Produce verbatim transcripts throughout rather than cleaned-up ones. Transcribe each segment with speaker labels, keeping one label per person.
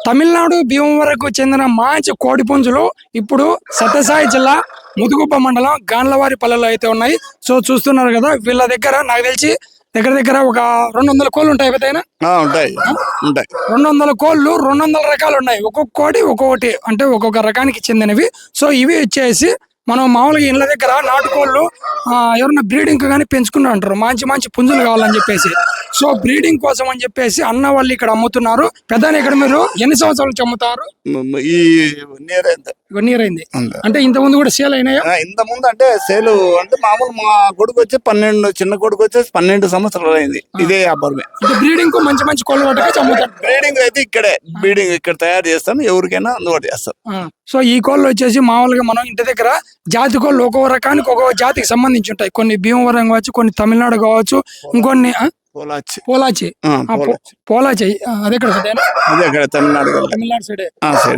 Speaker 1: తమిళనాడు భీమవరంకు చెందిన మంచి కోడి పుంజులు ఇప్పుడు సత్యసాయి జిల్లా ముదుగుప్ప మండలం గాన్లవారి పల్లెలో అయితే ఉన్నాయి. సో చూస్తున్నారు కదా, వీళ్ళ దగ్గర నాకు తెలిసి దగ్గర దగ్గర ఒక రెండు వందల కోళ్ళు ఉంటాయి. ఏదైనా
Speaker 2: ఉంటాయి ఉంటాయి
Speaker 1: రెండు వందల కోళ్ళు రెండు వందల రకాలు ఉన్నాయి. ఒక్కొక్క కోడి ఒక్కొక్కటి అంటే ఒక్కొక్క రకానికి చెందినవి. సో ఇవి వచ్చేసి మనం మామూలుగా ఇళ్ళ దగ్గర నాటుకోళ్ళు ఎవరైనా బ్రీడింగ్ కానీ పెంచుకుని అంటారు, మంచి మంచి పుంజులు కావాలని చెప్పేసి. సో బ్రీడింగ్ కోసం అని చెప్పేసి అన్న వాళ్ళు ఇక్కడ అమ్ముతున్నారు. పెద్ద ఇక్కడ మీరు ఎన్ని సంవత్సరాల నుంచి అమ్ముతారు?
Speaker 2: ఈ నియర్
Speaker 1: వన్ ఇయర్ అయింది అంటే ఇంత ముందు కూడా సేల్ అయినాయా?
Speaker 2: ఇంత ముందు అంటే సేల్ అంటే మామూలు మా కొడుకు వచ్చి పన్నెండు చిన్న కొడుకు వచ్చేసి పన్నెండు సంవత్సరాలు అయింది. ఇదే వ్యాపారమే.
Speaker 1: బ్రీడింగ్ మంచి మంచి కోళ్ళు పట్టుకొచ్చి అమ్ముతారు.
Speaker 2: బ్రీడింగ్ అయితే ఇక్కడే బ్రీడింగ్ ఇక్కడ తయారు చేస్తాం, ఎవరికైనా అందుబాటు చేస్తాం.
Speaker 1: సో ఈ కోళ్ళు వచ్చేసి మామూలుగా మనం ఇంటి దగ్గర జాతి కోళ్ళు ఒక్కొక్క రకానికి ఒక్కొక్క జాతికి సంబంధించి ఉంటాయి. కొన్ని భీమవరం కావచ్చు, కొన్ని తమిళనాడు కావచ్చు, ఇంకొన్ని
Speaker 2: పోలాచి
Speaker 1: పోలాచి పోలాచి అదే
Speaker 2: అదే తమిళనాడు
Speaker 1: తమిళనాడు సైడే
Speaker 2: సైడ్.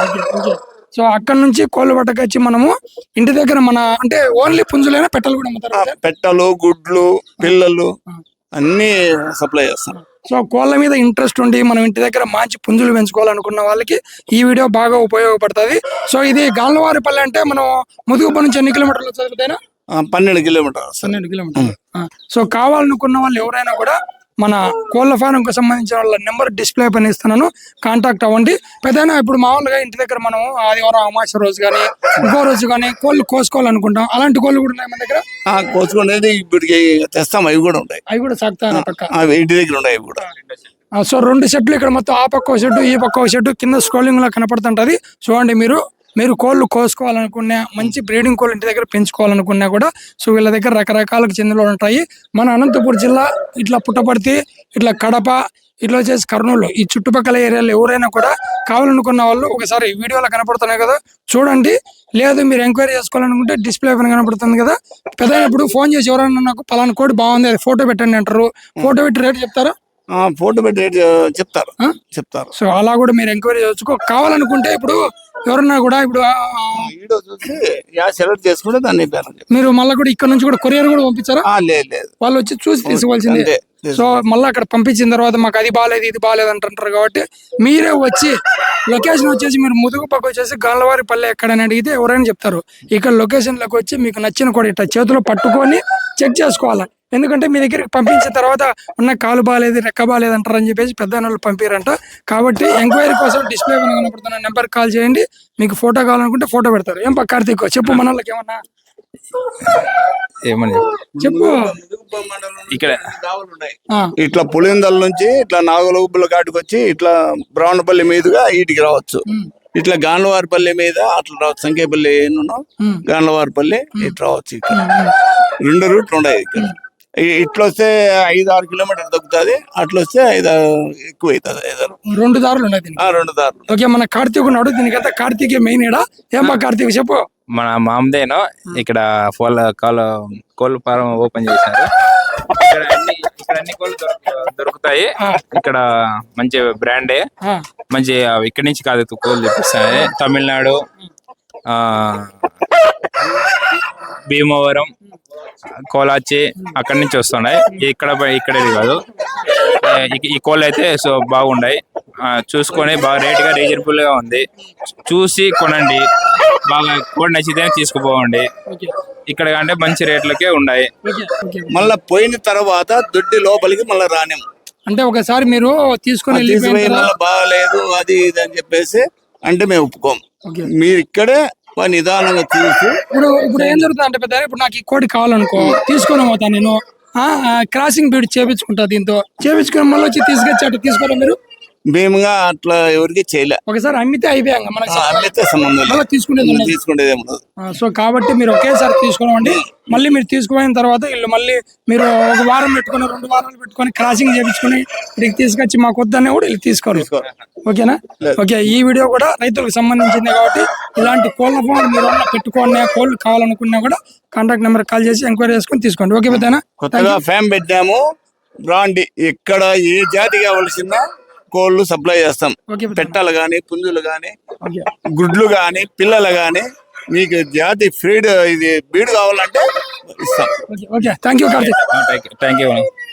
Speaker 1: సో అక్కడ నుంచి కోళ్ళు పట్టకొచ్చి మనము ఇంటి దగ్గర మన అంటే ఓన్లీ పుంజులైనా పెట్టలు కూడా అమ్ముతారు.
Speaker 2: పెట్టలు, గుడ్లు, పిల్లలు అన్ని సప్లై చేస్తాం.
Speaker 1: సో కోళ్ళ మీద ఇంట్రెస్ట్ ఉండి మనం ఇంటి దగ్గర మంచి పుంజులు పెంచుకోవాలనుకున్న వాళ్ళకి ఈ వీడియో బాగా ఉపయోగపడుతుంది. సో ఇది గాన్లవారిపల్లి అంటే మనం ముదుగుప్ప నుంచి ఎన్ని కిలోమీటర్లు చదువుతాయినా?
Speaker 2: పన్నెండు కిలోమీటర్
Speaker 1: పన్నెండు కిలోమీటర్లు. సో కావాలనుకున్న వాళ్ళు ఎవరైనా కూడా మన కోళ్ళ ఫారంకు సంబంధించిన వాళ్ళ నెంబర్ డిస్ప్లే పైన ఇస్తున్నాను, కాంటాక్ట్ అవ్వండి. పెద్దనా ఇప్పుడు మామూలుగా ఇంటి దగ్గర మనం ఆదివారం అమావాస్య రోజు కానీ ఇంకో రోజు కానీ కోళ్ళు కోసుకోవాలనుకుంటాం, అలాంటి కోళ్ళు కూడా ఉన్నాయి మన దగ్గర.
Speaker 2: కోసుకునేది ఇప్పటికి తెస్తాం, అవి కూడా ఉంటాయి.
Speaker 1: అవి కూడా సాగుతాయి పక్క
Speaker 2: ఇంటి దగ్గర ఉన్నాయి అవి కూడా.
Speaker 1: సో రెండు సెట్లు ఇక్కడ మొత్తం ఆ పక్క షెడ్ ఈ పక్క షెడ్ కింద స్క్రోలింగ్ లో కనపడుతుంటది. చూడండి, మీరు మీరు కోళ్ళు కోసుకోవాలనుకున్నా, మంచి బ్రీడింగ్ కోళ్ళు ఇంటి దగ్గర పెంచుకోవాలనుకున్నా కూడా సో వీళ్ళ దగ్గర రకరకాలకు చెందిన ఉంటాయి. మన అనంతపురం జిల్లా ఇట్లా పుట్టపర్తి, ఇట్లా కడప, ఇట్లా వచ్చేసి కర్నూలు, ఈ చుట్టుపక్కల ఏరియాలో ఎవరైనా కూడా కావాలనుకున్న వాళ్ళు ఒకసారి వీడియోలో కనపడుతున్నాయి కదా చూడండి. లేదు మీరు ఎంక్వైరీ చేసుకోవాలనుకుంటే డిస్ప్లే పైన కనపడుతుంది కదా. పెద్దప్పుడు ఫోన్ చేసి ఎవరైనా నాకు పలానా కోడి బాగుంది అది ఫోటో పెట్టండి అంటారు. ఫోటో పెట్టి రేట్ చెప్తారా?
Speaker 2: ఫోటో పెట్టి రేట్ చెప్తారు చెప్తారు
Speaker 1: సో అలా కూడా మీరు ఎంక్వైరీ చేసుకో. కావాలనుకుంటే ఇప్పుడు ఎవరన్నా కూడా ఇప్పుడు
Speaker 2: వీడియో చూసి సెలెక్ట్ చేసుకుంటే దాన్ని
Speaker 1: మీరు మళ్ళీ కూడా ఇక్కడ నుంచి కూడా కొరియర్ కూడా పంపించారా?
Speaker 2: లేదు,
Speaker 1: వాళ్ళు వచ్చి చూసి తీసుకోవాల్సిందే. సో మళ్ళీ అక్కడ పంపించిన తర్వాత మాకు అది బాగాలేదు ఇది బాగాలేదు అంటుంటారు కాబట్టి మీరే వచ్చి లొకేషన్ వచ్చేసి మీరు ముదుగుపక్క వచ్చేసి గాన్లవారిపల్లి ఎక్కడని అడిగితే ఎవరైనా చెప్తారు. ఇక్కడ లొకేషన్ లోకి వచ్చి మీకు నచ్చిన కూడా ఇట్లా చేతిలో పట్టుకొని చెక్ చేసుకోవాలి. ఎందుకంటే మీ దగ్గరికి పంపించిన తర్వాత ఉన్న కాలు బాగాలేదు రెక్క బాగాలేదు అంటారు అని చెప్పేసి పెద్ద వాళ్ళు పంపిరంట. కాబట్టి ఎంక్వైరీ కోసం డిస్ప్లే కనపడుతున్న నెంబర్ కాల్ చేయండి. మీకు ఫోటో కావాలనుకుంటే ఫోటో పెడతారు. ఏం పక్క కార్తీక్ చెప్పు, మన వాళ్ళకి ఏమన్నా
Speaker 3: ఏమని
Speaker 1: చెప్పు.
Speaker 3: ఇక్కడ
Speaker 2: ఇట్లా పులిందల నుంచి ఇట్లా నాగులగుబ్బల కాటికి వచ్చి ఇట్లా బ్రాహ్మణపల్లి మీదుగా వీటికి రావచ్చు. ఇట్లా గాన్లవారిపల్లి మీద అట్లా రావచ్చు. సంకేపల్లి ఏనున్నాం గాన్లవారిపల్లి ఇట్లా రావచ్చు. ఇక్కడ రెండు రూట్లు ఉన్నాయి. ఇక్కడ ఇట్లా వస్తే ఐదు ఆరు కిలోమీటర్ దొక్కుతుంది, అట్లా వస్తే ఐదు ఎక్కువ అవుతుంది. ఐదారు
Speaker 1: రెండు దారులు ఉన్నాయి,
Speaker 2: రెండు దారులు.
Speaker 1: ఓకే, మన కార్తీక్ ఉన్నాడు, దీనికైతే కార్తీక్ మెయిన్ ఇడా. ఏం బా కార్తీక్ చెప్పు.
Speaker 3: మన మామదేనో ఇక్కడ కోళ్ళ కాళ్ళ కోళ్ళ ఫారం ఓపెన్ చేశారు. ఇక్కడ అన్ని ఇక్కడ అన్ని కోళ్ళు దొరుకుతాయి. ఇక్కడ మంచి బ్రాండే, మంచి ఇక్కడి నుంచి కాదు కోళ్ళు తెప్పిస్తాయి. తమిళనాడు, ఆ భీమవరం, కోలాచి అక్కడి నుంచి వస్తున్నాయి. ఇక్కడ ఇక్కడేది కాదు. ఈ కోళ్ళు అయితే సో బాగున్నాయి. చూసుకొని బాగా రేట్ గా రీజనబుల్ గా ఉంది. చూసి కొనండి, బాగా కోడి నచ్చితే తీసుకుపోవండి. ఇక్కడ అంటే మంచి రేట్లకే ఉన్నాయి.
Speaker 2: మళ్ళా పోయిన తర్వాత దొడ్డి లోపలికి మళ్ళీ రాని
Speaker 1: అంటే ఒకసారి మీరు తీసుకొని
Speaker 2: బాగాలేదు అది ఇది అని చెప్పేసి అంటే మేము ఒప్పుకోం. మీరు ఇక్కడే నిదానంగా చూసి
Speaker 1: ఇప్పుడు ఇప్పుడు ఏం జరుగుతుంది అంటే పెద్ద ఇప్పుడు నాకు ఈ కోడి కావాలనుకో తీసుకొని పోతాను నేను. క్రాసింగ్ బీడ్ చేపించుకుంటా, దీంతో చేపించుకుని మళ్ళీ వచ్చి తీసుకొచ్చి అట్లా తీసుకోరా మీరు?
Speaker 2: మేముగా అట్లా ఎవరికి చేయలే.
Speaker 1: ఒకసారి అమ్మితే అయిపోయాక
Speaker 2: అమ్మితే సంబంధం
Speaker 1: తీసుకునేది
Speaker 2: తీసుకునేది.
Speaker 1: సో కాబట్టి మీరు ఒకేసారి తీసుకోండి. మళ్ళీ మీరు తీసుకుపోయిన తర్వాత వీళ్ళు మళ్ళీ మీరు ఒక వారం పెట్టుకుని రెండు వారాలు పెట్టుకొని క్రాసింగ్ చేయించుకుని ఇక్కడికి తీసుకొచ్చి మాకు వద్దనే కూడా వీళ్ళు తీసుకోరు. ఓకేనా? ఓకే, ఈ వీడియో కూడా రైతులకు సంబంధించింది కాబట్టి ఇలాంటి కోళ్ళ ఫోన్ మీరు పెట్టుకోండి. కోళ్ళు కావాలనుకున్నా కూడా కాంటాక్ట్ నెంబర్ కాల్ చేసి ఎంక్వైరీ చేసుకుని తీసుకోండి. ఓకే పెద్దనా?
Speaker 2: కొత్తగా ఫ్యామ్ పెట్టాము, రాండి. ఇక్కడ ఏ జాతి కావాల్సిందా కోళ్ళు సప్లై చేస్తాం. పెట్టలు గాని, పుంజులు గాని, గుడ్లు గాని, పిల్లలు గాని, మీకు జాతి ఫీడ్ ఇది బీడ్ కావాలంటే ఇస్తాం.
Speaker 1: Okay, thank you Karthik.
Speaker 3: Thank you.